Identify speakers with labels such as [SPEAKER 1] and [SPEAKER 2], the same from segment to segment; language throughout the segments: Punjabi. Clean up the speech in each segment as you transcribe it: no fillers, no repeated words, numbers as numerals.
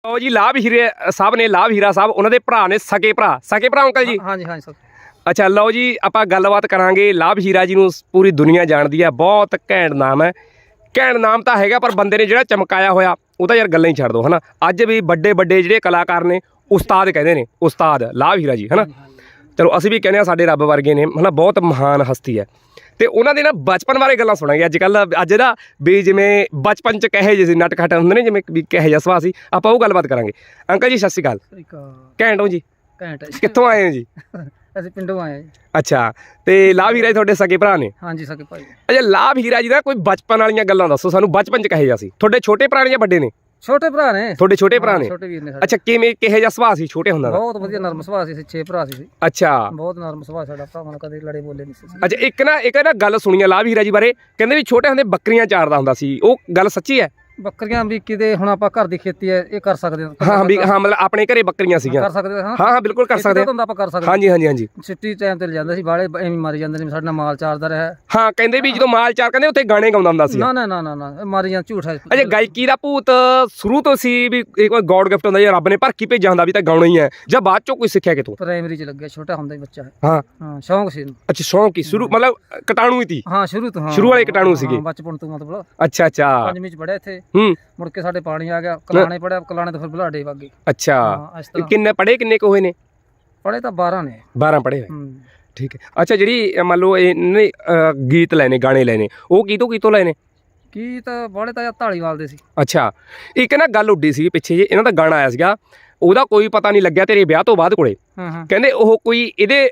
[SPEAKER 1] ਲਓ ਜੀ ਲਾਭ ਹੀਰੇ ਸਾਹਿਬ ਨੇ, ਲਾਭ ਹੀਰਾ ਸਾਹਿਬ ਉਹਨਾਂ ਦੇ ਭਰਾ ਨੇ, ਸਕੇ ਭਰਾ ਅੰਕਲ ਜੀ।
[SPEAKER 2] ਹਾਂਜੀ ਹਾਂਜੀ ਸਰ।
[SPEAKER 1] ਅੱਛਾ ਲਓ ਜੀ ਆਪਾਂ ਗੱਲਬਾਤ ਕਰਾਂਗੇ। ਲਾਭ ਹੀਰਾ ਜੀ ਨੂੰ ਪੂਰੀ ਦੁਨੀਆ ਜਾਣਦੀ ਹੈ, ਬਹੁਤ ਘੈਂਟ ਨਾਮ ਹੈ। ਘੈਂਟ ਨਾਮ ਤਾਂ ਹੈਗਾ ਪਰ ਬੰਦੇ ਨੇ ਜਿਹੜਾ ਚਮਕਾਇਆ ਹੋਇਆ ਉਹ ਤਾਂ ਯਾਰ ਗੱਲਾਂ ਹੀ ਛੱਡ ਦੋ, ਹਨਾ। ਅੱਜ ਵੀ ਵੱਡੇ ਵੱਡੇ ਜਿਹੜੇ ਕਲਾਕਾਰ ਨੇ ਉਸਤਾਦ ਕਹਿੰਦੇ ਨੇ, ਉਸਤਾਦ ਲਾਭ ਹੀਰਾ ਜੀ, ਹਨਾ। ਚਲੋ ਅਸੀਂ ਵੀ ਕਹਿੰਦੇ ਹਾਂ ਸਾਡੇ ਰੱਬ ਵਰਗੇ ਨੇ, ਹਨਾ। ਬਹੁਤ ਮਹਾਨ ਹਸਤੀ ਹੈ ਤੇ ਉਹਨਾਂ ਦੇ ਨਾ ਬਚਪਨ ਬਾਰੇ ਗੱਲਾਂ ਸੁਣਾਂਗੇ ਅੱਜ ਦਾ ਵੀ ਜਿਵੇਂ ਬਚਪਨ ਚ ਕਹੇ ਜਿਹੇ ਸੀ ਨਟ ਖਟ ਹੁੰਦੇ ਨੇ, ਜਿਵੇਂ ਵੀ ਕਹੇ ਜਿਹਾ ਸੁਭਾਅ ਸੀ, ਆਪਾਂ ਉਹ ਗੱਲਬਾਤ ਕਰਾਂਗੇ। ਅੰਕਲ ਜੀ ਸਤਿ ਸ਼੍ਰੀ ਅਕਾਲ। ਘੈਂਟ ਹੋ ਜੀ?
[SPEAKER 2] ਘੈਂਟ।
[SPEAKER 1] ਕਿੱਥੋਂ ਆਏ ਹੋ ਜੀ?
[SPEAKER 2] ਅਸੀਂ ਪਿੰਡੋਂ ਆਏ ਹਾਂ ਜੀ।
[SPEAKER 1] ਅੱਛਾ, ਤੇ ਲਾਭ ਹੀਰਾ ਜੀ ਤੁਹਾਡੇ ਸਕੇ ਭਰਾ ਨੇ?
[SPEAKER 2] ਹਾਂਜੀ ਸਕੇ ਭਾਈ।
[SPEAKER 1] ਅੱਛਾ, ਲਾਭ ਹੀਰਾ ਜੀ ਦਾ ਕੋਈ ਬਚਪਨ ਵਾਲੀਆਂ ਗੱਲਾਂ ਦੱਸੋ ਸਾਨੂੰ, ਬਚਪਨ ਚ ਕਹੇ ਜਿਹਾ ਸੀ? ਤੁਹਾਡੇ ਛੋਟੇ ਭਰਾ ਨੇ ਜਾਂ ਵੱਡੇ ਨੇ?
[SPEAKER 2] ਛੋਟੇ ਭਰਾ ਨੇ।
[SPEAKER 1] ਤੁਹਾਡੇ ਛੋਟੇ ਭਰਾ ਨੇ?
[SPEAKER 2] ਛੋਟੇ ਵੀਰ ਨੇ ਸਾਡੇ।
[SPEAKER 1] ਅੱਛਾ, ਕਿਵੇਂ ਕਿਹੇ ਜਿਹਾ ਸੁਭਾਅ ਸੀ ਛੋਟੇ ਹੁੰਦਾ ਦਾ?
[SPEAKER 2] ਬਹੁਤ ਵਧੀਆ ਨਰਮ ਸੁਭਾਅ ਸੀ, ਅਸੀਂ 6 ਭਰਾ ਸੀ।
[SPEAKER 1] ਅੱਛਾ,
[SPEAKER 2] ਬਹੁਤ ਨਰਮ ਸੁਭਾਅ ਸਾਡਾ, ਭਰਾਵਾਂ ਨਾਲ ਕਦੇ ਲੜੇ ਬੋਲੇ ਨਹੀਂ ਸੀ।
[SPEAKER 1] ਅੱਛਾ, ਇੱਕ ਨਾ ਗੱਲ ਸੁਣੀ ਆ ਲਾਭ ਹੀਰਾ ਜੀ ਬਾਰੇ, ਕਹਿੰਦੇ ਵੀ ਛੋਟੇ ਹੁੰਦੇ ਬੱਕਰੀਆਂ ਚਾਰਦਾ ਹੁੰਦਾ ਸੀ, ਉਹ ਗੱਲ ਸੱਚੀ ਹੈ?
[SPEAKER 2] ਬੱਕਰੀਆਂ ਵੀ ਕਿਤੇ ਹੁਣ ਆਪਾਂ ਘਰ ਦੀ ਖੇਤੀ ਹੈ ਇਹ ਕਰ ਸਕਦੇ ਹਾਂ।
[SPEAKER 1] ਹਾਂ ਵੀ ਹਾਂ, ਮਤਲਬ ਆਪਣੇ ਘਰੇ ਬੱਕਰੀਆਂ ਸੀਗੀਆਂ?
[SPEAKER 2] ਕਰ ਸਕਦੇ ਹਾਂ।
[SPEAKER 1] ਹਾਂ ਬਿਲਕੁਲ ਕਰ ਸਕਦੇ
[SPEAKER 2] ਹਾਂ, ਆਪਾਂ ਕਰ ਸਕਦੇ।
[SPEAKER 1] ਹਾਂਜੀ ਹਾਂਜੀ ਹਾਂਜੀ।
[SPEAKER 2] ਛੁੱਟੀ ਟਾਈਮ ਤੇ ਲੈ ਜਾਂਦੇ ਸੀ, ਬਾਲੇ ਐਵੇਂ ਮਾਰੀ ਜਾਂਦੇ ਨੇ, ਸਾਡੇ ਨਾਲ ਮਾਲ ਚਾਰਦਾ ਰਿਹਾ।
[SPEAKER 1] ਹਾਂ, ਕਹਿੰਦੇ ਵੀ ਜਦੋਂ ਮਾਲ ਚਾਰ ਕਹਿੰਦੇ ਉੱਥੇ ਗਾਣੇ ਗਾਉਂਦਾ ਹੁੰਦਾ ਸੀ।
[SPEAKER 2] ਨਾ ਨਾ ਨਾ ਨਾ ਮਾਰੀ ਜਾਂ ਝੂਠ ਹੈ।
[SPEAKER 1] ਅੱਛਾ, ਗਾਇਕੀ ਦਾ ਭੂਤ ਸ਼ੁਰੂ ਤੋਂ ਸੀ ਵੀ ਇੱਕ ਵਾਰ ਗੋਡ ਗਿਫਟ ਹੁੰਦਾ ਜਾਂ ਰੱਬ ਨੇ ਭਰ ਕੇ ਭੇਜਿਆ ਹੁੰਦਾ ਵੀ ਤਾਂ ਗਾਉਣਾ ਹੀ ਹੈ, ਜਾਂ ਬਾਅਦ ਚੋਂ ਕੋਈ ਸਿੱਖਿਆ ਕਿਤੋਂ?
[SPEAKER 2] ਪ੍ਰਾਇਮਰੀ ਚ ਲੱਗਿਆ, ਛੋਟਾ ਹੁੰਦਾ ਹੀ ਬੱਚਾ ਹੈ।
[SPEAKER 1] ਹਾਂ
[SPEAKER 2] ਹਾਂ, ਸ਼ੌਂਕ ਸੀ।
[SPEAKER 1] ਅੱਛਾ, ਸ਼ੌਂਕ ਹੀ ਸ਼ੁਰੂ ਮਤਲਬ ਕਟਾਣੂ ਹੀ ਸੀ?
[SPEAKER 2] ਹਾਂ, ਸ਼ੁਰੂ ਤੋਂ।
[SPEAKER 1] ਸ਼ੁਰੂ ਵਾਲੇ ਕਟਾਣੂ ਸੀਗੇ
[SPEAKER 2] ਬਚਪਨ ਤੋਂ ਮਤਲਬ।
[SPEAKER 1] ਅੱਛਾ ਅੱਛਾ।
[SPEAKER 2] 5ਵੀਂ ਚ ਪੜਿਆ ਇੱਥੇ,
[SPEAKER 1] ਹੂੰ। ਮੁੜ
[SPEAKER 2] ਕੇ ਸਾਡੇ ਪਾਣੀ ਆ ਗਿਆ, ਕਲਾਣੇ ਪੜਿਆ, ਕਲਾਣੇ ਤੋਂ ਫਿਰ ਬੁਲਾਡੇ ਵਗ ਗਏ।
[SPEAKER 1] ਅੱਛਾ, ਕਿੰਨੇ ਪੜ੍ਹੇ, ਕਿੰਨੇ ਕੁ ਹੋਏ ਨੇ?
[SPEAKER 2] ਪੜ੍ਹੇ ਤਾਂ 12 ਨੇ।
[SPEAKER 1] 12 ਪੜ੍ਹੇ ਹੋਏ, ਠੀਕ ਹੈ। ਅੱਛਾ, ਜਿਹੜੀ ਮੰਨ ਲਓ ਇਹਨੇ ਗੀਤ ਲੈਣੇ, ਗਾਣੇ ਲੈਣੇ, ਉਹ ਕਿਤੋਂ ਲੈਣੇ?
[SPEAKER 2] ਗੀਤ ਬਾਲੇ ਤਾਂ ਢਾਲੀਵਾਲ ਦੇ ਸੀ।
[SPEAKER 1] ਅੱਛਾ, ਇੱਕ ਨਾ ਗੱਲ ਉੱਡੀ ਸੀ ਪਿੱਛੇ ਜੇ, ਇਹਨਾਂ ਦਾ ਗਾਣਾ ਆਇਆ ਸੀਗਾ, ਉਹਦਾ ਕੋਈ ਪਤਾ ਨਹੀਂ ਲੱਗਿਆ ਤੇਰੇ ਵਿਆਹ ਤੋਂ ਬਾਅਦ ਕੋਲੇ। ਕਹਿੰਦੇ ਉਹ ਕੋਈ ਇਹਦੇ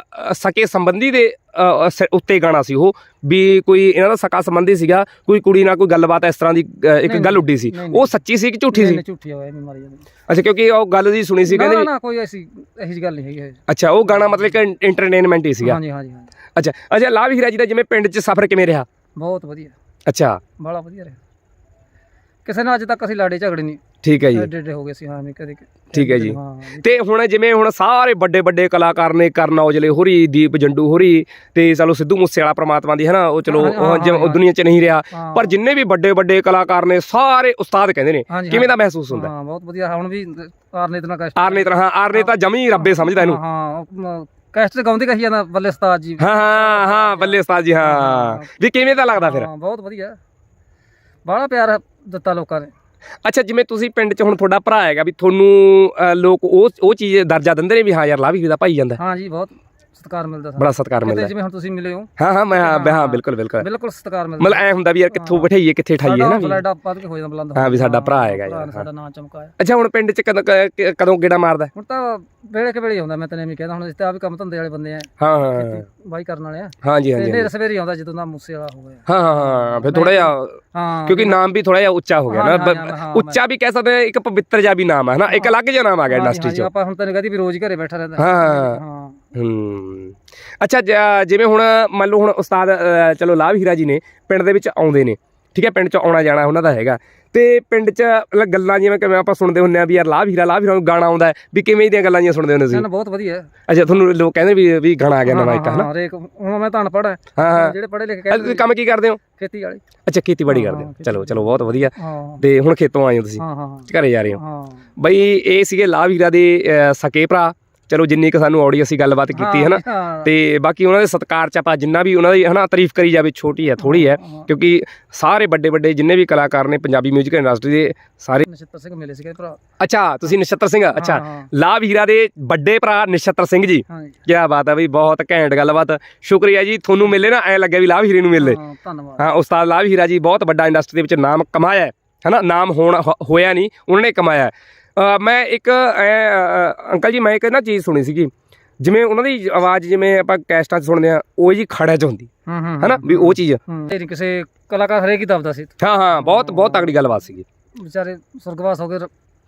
[SPEAKER 1] ਸਕੇ ਸੰਬੰਧੀ ਦੇ ਉੱਤੇ ਗਾਣਾ ਸੀ ਉਹ, ਵੀ ਕੋਈ ਇਹਨਾਂ ਦਾ ਸਕਾ ਸੰਬੰਧੀ ਸੀਗਾ, ਕੋਈ ਕੁੜੀ ਨਾਲ ਕੋਈ ਗੱਲਬਾਤ ਇਸ ਤਰ੍ਹਾਂ ਦੀ ਇੱਕ ਗੱਲ ਉੱਡੀ ਸੀ, ਉਹ ਸੱਚੀ ਸੀ ਕਿ ਝੂਠੀ ਸੀ?
[SPEAKER 2] ਝੂਠੀ ਹੋਇਆ ਨਹੀਂ, ਮਾਰੀ ਜਾਂਦੀ।
[SPEAKER 1] ਅੱਛਾ, ਕਿਉਂਕਿ ਉਹ ਗੱਲ ਜੀ ਸੁਣੀ ਸੀ, ਕਹਿੰਦੇ
[SPEAKER 2] ਨਾ ਕੋਈ ਐਸੀ ਇਹੀ ਗੱਲ ਨਹੀਂ ਹੈਗੀ।
[SPEAKER 1] ਅੱਛਾ, ਉਹ ਗਾਣਾ ਮਤਲਬ ਕਿ ਐਂਟਰਟੇਨਮੈਂਟ ਹੀ ਸੀਗਾ?
[SPEAKER 2] ਹਾਂਜੀ ਹਾਂਜੀ।
[SPEAKER 1] ਅੱਛਾ ਅੱਛਾ, ਲਾਭ ਹੀਰਾ ਜੀ ਦਾ ਜਿਵੇਂ ਪਿੰਡ 'ਚ ਸਫ਼ਰ ਕਿਵੇਂ ਰਿਹਾ?
[SPEAKER 2] ਬਹੁਤ ਵਧੀਆ।
[SPEAKER 1] ਅੱਛਾ,
[SPEAKER 2] ਬੜਾ ਵਧੀਆ ਰਿਹਾ, ਕਿਸੇ ਨਾਲ ਅੱਜ ਤੱਕ ਅਸੀਂ ਲੜੇ ਝਗੜੇ ਨਹੀਂ।
[SPEAKER 1] ਠੀਕ ਹੈ ਜੀ।
[SPEAKER 2] ਏਡੇ ਹੋ ਗਏ ਸੀ। ਹਾਂ, ਕਦੇ।
[SPEAKER 1] ਠੀਕ ਹੈ ਜੀ। ਤੇ ਹੁਣ ਜਿਵੇਂ ਹੁਣ ਸਾਰੇ ਵੱਡੇ ਵੱਡੇ ਕਲਾਕਾਰ ਨੇ, ਕਰਨ ਔਜਲੇ ਹੋਰੀ, ਦੀਪ ਜੰਡੂ ਹੋਰੀ, ਤੇ ਚਲੋ ਸਿੱਧੂ ਮੂਸੇ ਵਾਲਾ ਪ੍ਰਮਾਤਮਾ ਦੀ, ਹਨਾ, ਉਹ ਚਲੋ ਉਹ ਦੁਨੀਆ 'ਚ ਨਹੀਂ ਰਿਹਾ, ਪਰ ਜਿੰਨੇ ਵੀ ਵੱਡੇ ਵੱਡੇ ਕਲਾਕਾਰ ਨੇ ਸਾਰੇ ਉਸਤਾਦ ਕਹਿੰਦੇ ਨੇ, ਕਿਵੇਂ ਦਾ ਮਹਿਸੂਸ ਹੁੰਦਾ?
[SPEAKER 2] ਹਾਂ, ਬਹੁਤ ਵਧੀਆ। ਹੁਣ ਵੀ ਆਰਨੇ
[SPEAKER 1] ਤਾਂ ਜਮੀ ਰੱਬੇ ਸਮਝਦਾ ਇਹਨੂੰ।
[SPEAKER 2] ਹਾਂ, ਕੈਸਟ ਗਾਉਂਦੇ ਕਹੀ ਜਾਂਦਾ, ਬੱਲੇ ਉਸਤਾਦ ਜੀ।
[SPEAKER 1] ਹਾਂ, ਬੱਲੇ ਉਸਤਾਦ ਜੀ। ਹਾਂ, ਵੀ ਕਿਵੇਂ ਦਾ ਲੱਗਦਾ ਫਿਰ?
[SPEAKER 2] ਬਹੁਤ ਵਧੀਆ, ਬੜਾ ਪਿਆਰ ਦਿੱਤਾ ਲੋਕਾਂ ਨੇ।
[SPEAKER 1] ਅੱਛਾ, ਜਿਵੇਂ ਤੁਸੀਂ ਪਿੰਡ 'ਚ ਹੁਣ ਤੁਹਾਡਾ ਭਰਾ ਹੈਗਾ, ਵੀ ਤੁਹਾਨੂੰ ਲੋਕ ਉਹ ਚੀਜ਼ ਦਰਜਾ ਦਿੰਦੇ ਨੇ ਵੀ ਹਾਂ ਯਾਰ ਲਾਭ ਹੀਰਾ ਦਾ ਭਾਈ ਜਾਂਦਾ?
[SPEAKER 2] ਹਾਂ ਜੀ, ਬਹੁਤ ਸਤਿਕਾਰ ਮਿਲਦਾ,
[SPEAKER 1] ਬੜਾ ਸਤਿਕਾਰ ਮਿਲਦਾ।
[SPEAKER 2] ਜਿਵੇਂ ਹੁਣ ਤੁਸੀਂ ਮਿਲੇ ਹੋ।
[SPEAKER 1] ਹਾਂ ਬਿਲਕੁਲ ਸਤਿਕਾਰ ਮਿਲਦਾ। ਮਤਲਬ ਐ ਹੁੰਦਾ ਵੀ ਯਾਰ ਕਿੱਥੋਂ ਬਿਠਾਈਏ, ਕਿੱਥੇ ਠਾਈਏ, ਨਾ ਹਾਂ ਵੀ ਸਾਡਾ ਭਰਾ ਹੈਗਾ ਯਾਰ,
[SPEAKER 2] ਸਾਡਾ ਨਾਂ ਚਮਕਾਇਆ।
[SPEAKER 1] ਅੱਛਾ, ਹੁਣ ਪਿੰਡ 'ਚ ਕਦੋਂ ਗੇੜਾ ਮਾਰਦਾ?
[SPEAKER 2] ਹੁਣ ਤਾਂ ਵੇਲੇ ਕੇ ਵੇਲੇ ਆਉਂਦਾ, ਮੈਂ ਤਾਂ ਐਵੇਂ ਕਹਿੰਦਾ, ਹੁਣ ਇਸ ਆ ਵੀ ਕੰਮ ਧੰਦੇ ਵਾਲੇ ਬੰਦੇ ਆ।
[SPEAKER 1] ਹਾਂ,
[SPEAKER 2] ਬਾਈ ਕਰਨ ਵਾਲੇ ਆ।
[SPEAKER 1] ਹਾਂਜੀ ਹਾਂਜੀ।
[SPEAKER 2] ਨੇਰੇ ਸਵੇਰੇ ਆਉਂਦਾ ਜਦੋਂ ਦਾ ਮੂਸੇ ਵਾਲਾ ਹੋ ਗਿਆ।
[SPEAKER 1] ਹਾਂ, ਫਿਰ ਥੋੜਾ ਜਿਹਾ, ਕਿਉਂਕਿ ਨਾਮ ਵੀ ਥੋੜਾ ਜਿਹਾ ਉੱਚਾ ਹੋ ਗਿਆ ਨਾ, ਉੱਚਾ ਵੀ ਕਹਿ ਸਕਦੇ, ਇੱਕ ਪਵਿੱਤਰ ਜਿਹਾ ਵੀ ਨਾਮ ਹੈ ਨਾ, ਇੱਕ ਅਲੱਗ ਜਿਹਾ ਨਾਮ ਆ ਗਿਆ ਇੰਡਸਟਰੀ 'ਚ। ਆਪਾਂ
[SPEAKER 2] ਹੁਣ ਤੈਨੂੰ ਕਹਦੀ ਵੀ ਰੋਜ਼ ਘਰੇ ਬੈਠਾ ਰਹਿੰਦਾ।
[SPEAKER 1] ਹਾਂ। ਅੱਛਾ, ਜਿਵੇਂ ਹੁਣ ਮੰਨ ਲਓ ਹੁਣ ਉਸਤਾਦ ਚਲੋ ਲਾਭ ਹੀਰਾ ਜੀ ਨੇ ਪਿੰਡ ਦੇ ਵਿੱਚ ਆਉਂਦੇ ਨੇ, ਠੀਕ ਹੈ, ਪਿੰਡ 'ਚ ਆਉਣਾ ਜਾਣਾ ਉਹਨਾਂ ਦਾ ਹੈਗਾ, ਤੇ ਪਿੰਡ 'ਚ ਗੱਲਾਂ ਜਿਵੇਂ ਕਿਵੇਂ ਆਪਾਂ ਸੁਣਦੇ ਹੁੰਦੇ ਆ ਵੀ ਯਾਰ ਲਾਭ ਹੀਰਾ ਨੂੰ ਗਾਣਾ ਆਉਂਦਾ, ਵੀ ਕਿਵੇਂ ਦੀਆਂ ਗੱਲਾਂ ਜੀਆਂ ਸੁਣਦੇ ਹੁੰਦੇ ਸੀ?
[SPEAKER 2] ਬਹੁਤ ਵਧੀਆ।
[SPEAKER 1] ਅੱਛਾ, ਤੁਹਾਨੂੰ ਲੋਕ ਕਹਿੰਦੇ ਵੀ ਗਾਣਾ ਆ ਗਿਆ ਨਵਾਂ ਇੱਕ, ਹਨਾ?
[SPEAKER 2] ਹੁਣ ਮੈਂ ਤਾਂ ਅਨਪੜ੍ਹ ਹਾਂ।
[SPEAKER 1] ਹਾਂ,
[SPEAKER 2] ਜਿਹੜੇ ਪੜ੍ਹੇ ਲਿਖੇ ਕਹਿੰਦੇ।
[SPEAKER 1] ਤੁਸੀਂ ਕੰਮ ਕੀ ਕਰਦੇ ਹੋ?
[SPEAKER 2] ਖੇਤੀ ਵਾਲੀ।
[SPEAKER 1] ਅੱਛਾ, ਖੇਤੀਬਾੜੀ ਕਰਦੇ ਹੋ, ਚਲੋ ਬਹੁਤ ਵਧੀਆ। ਤੇ ਹੁਣ ਖੇਤੋਂ ਆਏ ਹੋ ਤੁਸੀਂ, ਘਰੇ ਜਾ ਰਹੇ ਹੋ? ਬਈ ਇਹ ਸੀਗੇ ਲਾਭ ਹੀਰਾ ਦੇ ਸਕੇ ਭਰਾ। ਚਲੋ ਜਿੰਨੀ ਕੁ ਸਾਨੂੰ ਆਉੜੀ ਅਸੀਂ ਗੱਲਬਾਤ ਕੀਤੀ, ਹਨਾ, ਤੇ ਬਾਕੀ ਉਹਨਾਂ ਦੇ ਸਤਿਕਾਰ 'ਚ ਆਪਾਂ ਜਿੰਨਾ ਵੀ ਉਹਨਾਂ ਦੀ, ਹਨਾ, ਤਾਰੀਫ ਕਰੀ ਜਾਵੇ ਛੋਟੀ ਹੈ, ਥੋੜੀ ਹੈ, ਕਿਉਂਕਿ ਸਾਰੇ ਵੱਡੇ ਵੱਡੇ ਜਿੰਨੇ ਵੀ ਕਲਾਕਾਰ ਨੇ ਪੰਜਾਬੀ ਮਿਊਜ਼ਿਕ ਇੰਡਸਟਰੀ ਦੇ ਸਾਰੇ।
[SPEAKER 2] ਨਛੱਤਰ ਸਿੰਘ ਮਿਲੇ ਸੀਗੇ ਭਰਾ।
[SPEAKER 1] ਅੱਛਾ, ਤੁਸੀਂ ਨਛੱਤਰ ਸਿੰਘ? ਅੱਛਾ, ਲਾਭ ਹੀਰਾ ਦੇ ਵੱਡੇ ਭਰਾ ਨਛੱਤਰ ਸਿੰਘ ਜੀ, ਕੀ ਬਾਤ ਹੈ ਬਈ, ਬਹੁਤ ਘੈਂਟ ਗੱਲਬਾਤ। ਸ਼ੁਕਰੀਆ ਜੀ, ਤੁਹਾਨੂੰ ਮਿਲੇ ਨਾ ਐਂ ਲੱਗਿਆ ਵੀ ਲਾਭ ਹੀਰੇ ਨੂੰ ਮਿਲੇ।
[SPEAKER 2] ਧੰਨਵਾਦ।
[SPEAKER 1] ਹਾਂ, ਉਸਤਾਦ ਲਾਭ ਹੀਰਾ ਜੀ ਬਹੁਤ ਵੱਡਾ ਇੰਡਸਟਰੀ ਦੇ ਵਿੱਚ ਨਾਮ ਕਮਾਇਆ ਹੈ, ਹਨਾ, ਨਾਮ ਹੋਇਆ ਨਹੀਂ, ਉਹਨਾਂ ਨੇ ਕਮਾਇਆ। ਮੈਂ ਇੱਕ ਅੰਕਲ ਜੀ, ਮੈਂ ਇੱਕ ਨਾ ਚੀਜ਼ ਸੁਣੀ ਸੀਗੀ, ਜਿਵੇਂ ਉਹਨਾਂ ਦੀ ਆਵਾਜ਼ ਜਿਵੇਂ ਆਪਾਂ ਕੈਸਟਾਂ 'ਚ ਸੁਣਦੇ ਹਾਂ, ਉਹ ਜੀ ਖੜਿਆਂ 'ਚ ਹੁੰਦੀ, ਹਨਾ, ਵੀ ਉਹ ਚੀਜ਼
[SPEAKER 2] ਕਿਸੇ ਕਲਾਕਾਰ ਹਰੇਕ ਹੀ ਦੱਬਦਾ ਸੀ।
[SPEAKER 1] ਹਾਂ, ਬਹੁਤ ਤਗੜੀ ਗੱਲਬਾਤ ਸੀਗੀ।
[SPEAKER 2] ਵਿਚਾਰੇ ਸੁਰਗਵਾਸ ਹੋ ਗਏ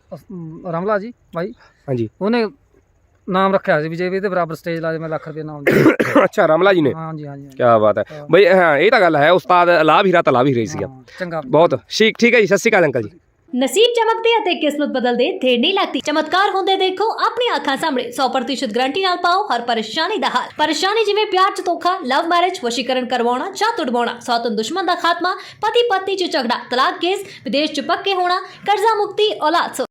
[SPEAKER 2] ਰਮਲਾ ਜੀ ਬਾਈ।
[SPEAKER 1] ਹਾਂਜੀ,
[SPEAKER 2] ਉਹਨੇ ਨਾਮ ਰੱਖਿਆ ਸੀ ਵੀ ਜੇ ਵੀ ਇਹਦੇ ਬਰਾਬਰ ਸਟੇਜ ਲਾ ਦੇ ਮੈਂ ਲੱਖ ਰੁਪਏ ਨਾਮ ਦੇ।
[SPEAKER 1] ਅੱਛਾ, ਰਮਲਾ ਜੀ ਨੇ?
[SPEAKER 2] ਹਾਂਜੀ ਹਾਂਜੀ।
[SPEAKER 1] ਕੀ ਬਾਤ ਹੈ ਬਈ। ਹਾਂ, ਇਹ ਤਾਂ ਗੱਲ ਹੈ, ਉਸਤਾਦ ਲਾਭ ਹੀਰਾ ਤਾਂ ਲਾਭ ਹੀਰਾ ਹੀ ਸੀਗਾ।
[SPEAKER 2] ਚੰਗਾ,
[SPEAKER 1] ਬਹੁਤ ਠੀਕ ਹੈ ਜੀ। ਸਤਿ ਸ਼੍ਰੀ ਅਕਾਲ ਅੰਕਲ ਜੀ।
[SPEAKER 3] ਨਸੀਬ ਚਮਕਦੇ ਅਤੇ ਕਿਸਮਤ ਬਦਲਦੇ ਦੇਰ ਨਹੀਂ ਲੱਗਦੀ। ਚਮਤਕਾਰ ਹੁੰਦੇ ਦੇਖੋ ਆਪਣੀ ਅੱਖਾਂ ਸਾਹਮਣੇ। 100% ਗਾਰੰਟੀ ਨਾਲ ਪਾਓ ਹਰ ਪਰੇਸ਼ਾਨੀ ਦਾ ਹੱਲ। ਪਰੇਸ਼ਾਨੀ ਜਿਵੇਂ ਪਿਆਰ ਚ ਧੋਖਾ, ਲਵ ਮੈਰਿਜ, ਵਸ਼ੀਕਰਨ ਕਰਵਾਉਣਾ ਜਾਂ ਤੁੜਵਾਉਣਾ, ਸੌਤਨ ਦੁਸ਼ਮਣ ਦਾ ਖਾਤਮਾ, ਪਤੀ ਪਤਨੀ ਚ ਝਗੜਾ, ਤਲਾਕ ਕੇਸ, ਵਿਦੇਸ਼ ਚ ਪੱਕੇ ਹੋਣਾ, ਕਰਜ਼ਾ ਮੁਕਤੀ, ਔਲਾਦ